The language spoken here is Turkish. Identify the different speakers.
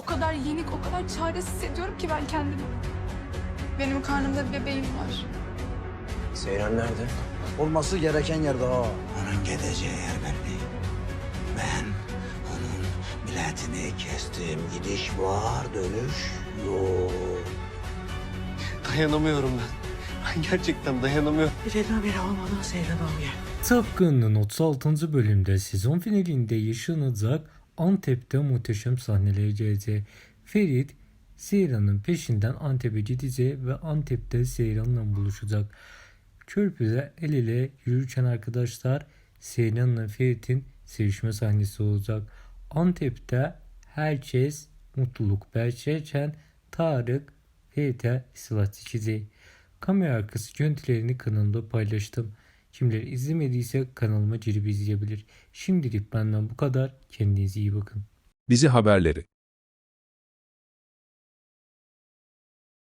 Speaker 1: O kadar yenik, o kadar çaresiz hissediyorum ki ben kendimi. Benim karnımda bir bebeğim var.
Speaker 2: Seyran nerede?
Speaker 3: Olması gereken yerde ha.
Speaker 4: Onun gideceği yer belli. Ben onun biletini kestim. Gidiş var, dönüş yok.
Speaker 2: Dayanamıyorum ben. Ben gerçekten dayanamıyorum.
Speaker 4: Birine biri olmadan Seyran abi.
Speaker 5: Tıpkı'nın 36. bölümde sezon finalinde yaşanacak Antep'te muhteşem sahneler gelecek. Ferit, Seyran'ın peşinden Antep'e gidecek ve Antep'te Seyran'la buluşacak. Körpüde el ele yürürken arkadaşlar Seyran'la Ferit'in sevişme sahnesi olacak. Antep'te herkes mutluluk belçerken Tarık Ferit'e silah çekecek. Kamera arkası görüntülerini kanalımda paylaştım. Kimler izlemediyse kanalıma girip izleyebilir. Şimdilik benden bu kadar. Kendinize iyi bakın.
Speaker 6: Dizi haberleri